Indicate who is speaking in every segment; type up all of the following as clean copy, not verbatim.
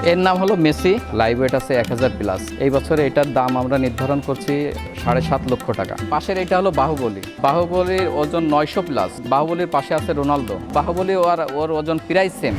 Speaker 1: এর নাম হলো মেসি, লাইভ ওয়েট আছে 1000 প্লাস। এই বছরে এটার দাম আমরা নির্ধারণ করছি 7.5 লক্ষ টাকা। পাশের এটা হলো বাহুবলী, বাহুবলীর ওজন 900 প্লাস। বাহুবলীর পাশে আছে রোনালদো, বাহুবলী ওর ওজন প্রায় সেম।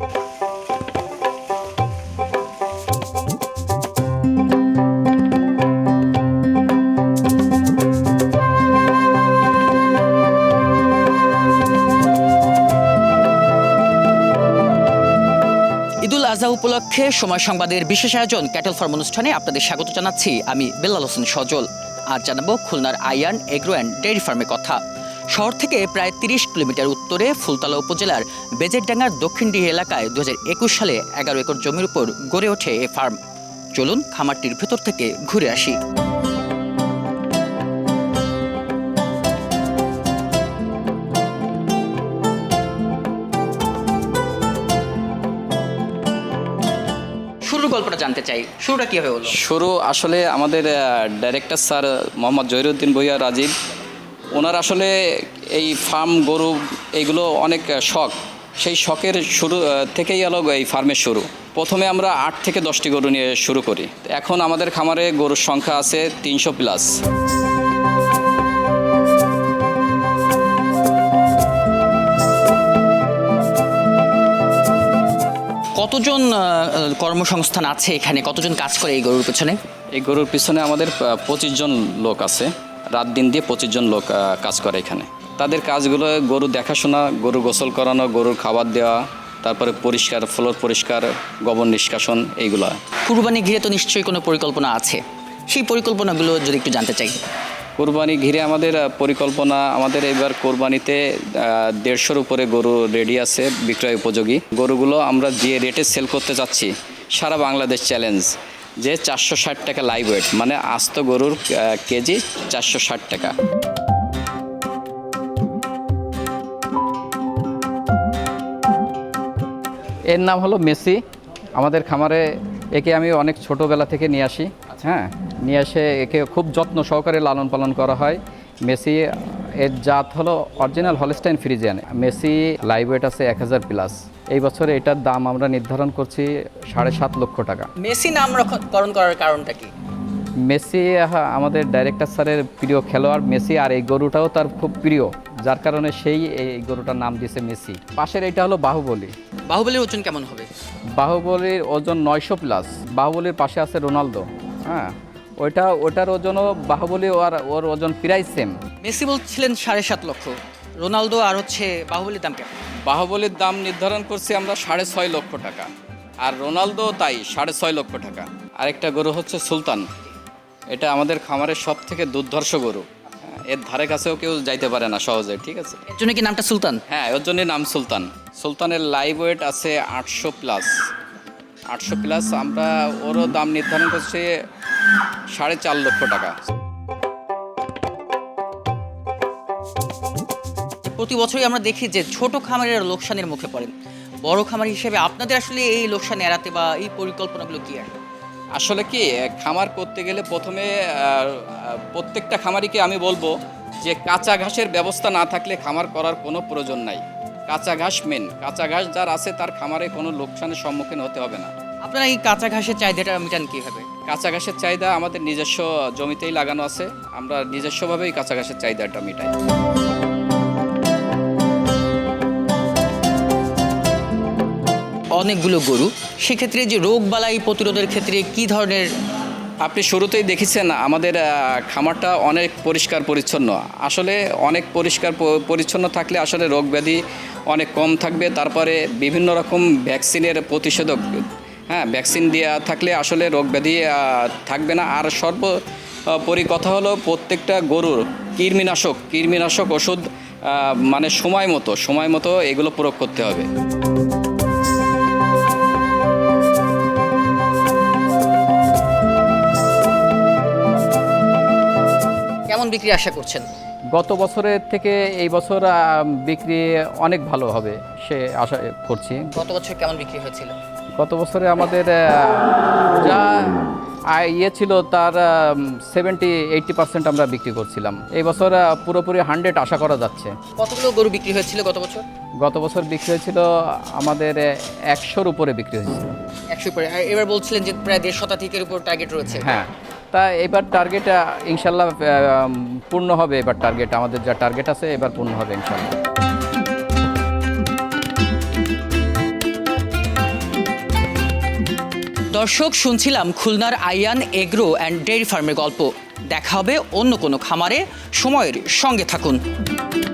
Speaker 2: ঈদুল আজহা উপলক্ষে সময় সংবাদের বিশেষ আয়োজন ক্যাটল ফার্ম অনুষ্ঠানে আপনাদের স্বাগত জানাচ্ছি আমি বেলাল হোসেন সজল। আজ জানাবো খুলনার আইয়ান এগ্রো অ্যান্ড ডেয়ারি ফার্মের কথা। শহর থেকে প্রায় 30 কিলোমিটার উত্তরে ফুলতলা উপজেলার বেজেরডাঙ্গার দক্ষিণডিহি এলাকায় 2021 সালে 11 একর জমির উপর গড়ে ওঠে এ ফার্ম। চলুন খামারটির ভেতর থেকে ঘুরে আসি। শুরুর গল্পটা জানতে চাই, শুরুটা কীভাবে হলো?
Speaker 1: শুরু আসলে আমাদের ডাইরেক্টর স্যার মোহাম্মদ জহিরুদ্দিন ভূঁইয়া রাজীব, ওনার আসলে এই ফার্ম গরু এইগুলো অনেক শখ। সেই শখের শুরু থেকেই এলো এই ফার্মের শুরু। প্রথমে আমরা 8 থেকে 10টি গরু নিয়ে শুরু করি। এখন আমাদের খামারে গরুর সংখ্যা আছে 300 প্লাস।
Speaker 2: কতজন কর্মসংস্থান আছে এখানে? কতজন কাজ করে এই গরুর পেছনে?
Speaker 1: এই গরুর পিছনে আমাদের 25 জন লোক আছে। রাত দিন দিয়ে 25 জন লোক কাজ করে এখানে। তাদের কাজগুলো গরু দেখাশোনা, গরু গোসল করানো, গরুর খাবার দেওয়া, তারপরে পরিষ্কার, ফ্লোর পরিষ্কার, গোবর নিষ্কাশন, এইগুলো।
Speaker 2: কুরবানি ঘিরে তো নিশ্চয়ই কোনো পরিকল্পনা আছে, সেই পরিকল্পনাগুলো যদি একটু জানতে চাই।
Speaker 1: কোরবানি ঘিরে আমাদের পরিকল্পনা, আমাদের এবার কোরবানিতে 150-র উপরে গরু রেডি আছে বিক্রয় উপযোগী। গরুগুলো আমরা যে রেটে সেল করতে যাচ্ছি, সারা বাংলাদেশ চ্যালেঞ্জ, যে 460 টাকা লাইভ ওয়েট, মানে আস্ত গরুর কেজি 460 টাকা। এর নাম হলো মেসি। আমাদের খামারে একে আমি অনেক ছোটোবেলা থেকে নিয়ে আসি। হ্যাঁ, নিয়ে এসে একে খুব যত্ন সহকারে লালন পালন করা হয়। মেসি এর জাত হলো original Holstein Friesian. Messi live weight আছে 1000 প্লাস। এই বছরে এটার দাম আমরা নির্ধারণ করছি 7.5 লক্ষ টাকা।
Speaker 2: মেসি নামকরণ করার কারণটা কি?
Speaker 1: মেসি আমাদের ডাইরেক্টর স্যারের প্রিয় খেলোয়াড় মেসি, আর এই গরুটাও তার খুব প্রিয়, যার কারণে সেই এই গরুটার নাম দিয়েছে মেসি। পাশের এটা হলো বাহুবলী।
Speaker 2: বাহুবলীর ওজন কেমন হবে?
Speaker 1: বাহুবলীর ওজন 900 প্লাস। বাহুবলীর পাশে আছে রোনালদো। হ্যাঁ, ওটার ওজনও বাহুবলী ওর ওজন প্রায় সেম।
Speaker 2: মেসি বলছিলেন 7.5 লক্ষ, রোনালদো আর বাহুবলীর দাম কেমন?
Speaker 1: বাহুবলীর দাম নির্ধারণ করছি আমরা 6.5 লক্ষ টাকা, আর রোনালদো তাই 6.5 লক্ষ টাকা। আরেকটা গরু হচ্ছে সুলতান। এটা আমাদের খামারের সব থেকে দুর্ধর্ষ গরু। এর ধারে কাছেও কেউ যাইতে পারে না সহজে। ঠিক আছে,
Speaker 2: এর জন্য কি নামটা সুলতান?
Speaker 1: হ্যাঁ, ওর জন্যই নাম সুলতান। সুলতানের লাইভ ওয়েট আছে 800 প্লাস। 800 প্লাস আমরা ওরও দাম নির্ধারণ করছি 4.5 লক্ষ টাকা।
Speaker 2: প্রতি বছরই আমরা দেখি যে ছোট খামারের লোকসানের মুখে পড়েন। বড় খামার হিসেবে আপনাদের আসলে এই লোকসান এড়াতে বা এই পরিকল্পনাগুলো কি?
Speaker 1: আসলে কি, খামার করতে গেলে প্রথমে প্রত্যেকটা খামারিকে আমি বলবো যে কাঁচা ঘাসের ব্যবস্থা না থাকলে খামার করার কোনো প্রয়োজন নাই। কাঁচা ঘাস মেন। কাঁচা ঘাস যার আছে তার খামারে কোনো লোকসানের সম্মুখীন হতে হবে না।
Speaker 2: আপনারা এই কাঁচা ঘাসের চাহিদাটা মেটান কীভাবে?
Speaker 1: কাঁচা ঘাসের চাহিদা আমাদের নিজস্ব জমিতেই লাগানো আছে। আমরা নিজস্বভাবেই কাঁচা ঘাসের চাহিদাটা মেটাই।
Speaker 2: অনেকগুলো গরু, সেক্ষেত্রে যে রোগ বালাই প্রতিরোধের ক্ষেত্রে কি ধরনের?
Speaker 1: আপনি শুরুতেই দেখেছেন আমাদের খামারটা অনেক পরিষ্কার পরিচ্ছন্ন। আসলে অনেক পরিষ্কার পরিচ্ছন্ন থাকলে আসলে রোগ ব্যাধি অনেক কম থাকবে। তারপরে বিভিন্ন রকম ভ্যাকসিনের প্রতিষেধক, হ্যাঁ, ভ্যাকসিন দেওয়া থাকলে আসলে রোগ ব্যাধি থাকবে না। আর সর্বোপরি কথা হলো প্রত্যেকটা গরুর কৃমিনাশক ওষুধ মানে সময় মতো এগুলো প্রয়োগ করতে হবে।
Speaker 2: কেমন বিক্রি আশা করছেন?
Speaker 1: গত বছরের থেকে এই বছর বিক্রি অনেক ভালো হবে সে আশা করছি।
Speaker 2: গত বছর কেমন বিক্রি হয়েছিল?
Speaker 1: গত বছরে আমাদের যা ইয়ে ছিল তার 70-80% আমরা বিক্রি করছিলাম। এই বছর পুরোপুরি 100 আশা করা যাচ্ছে।
Speaker 2: কতগুলো গরু বিক্রি হয়েছিল গত বছর?
Speaker 1: গত বছর বিক্রি হয়েছিল আমাদের 100-র উপরে বিক্রি হয়েছিল।
Speaker 2: 100 পরে, আর এবার বলছিলেন যে প্রায় 1.5 শতাধিকের উপর টার্গেট রয়েছে।
Speaker 1: হ্যাঁ, তা এবার টার্গেট ইনশাল্লাহ পূর্ণ হবে। এবার টার্গেট, আমাদের যা টার্গেট আছে এবার পূর্ণ হবে ইনশাল্লাহ।
Speaker 2: দর্শক, শুনছিলাম খুলনার আইয়ান এগ্রো অ্যান্ড ডেইরি ফার্মের গল্প। দেখা হবে অন্য কোনো খামারে। সময়ের সঙ্গে থাকুন।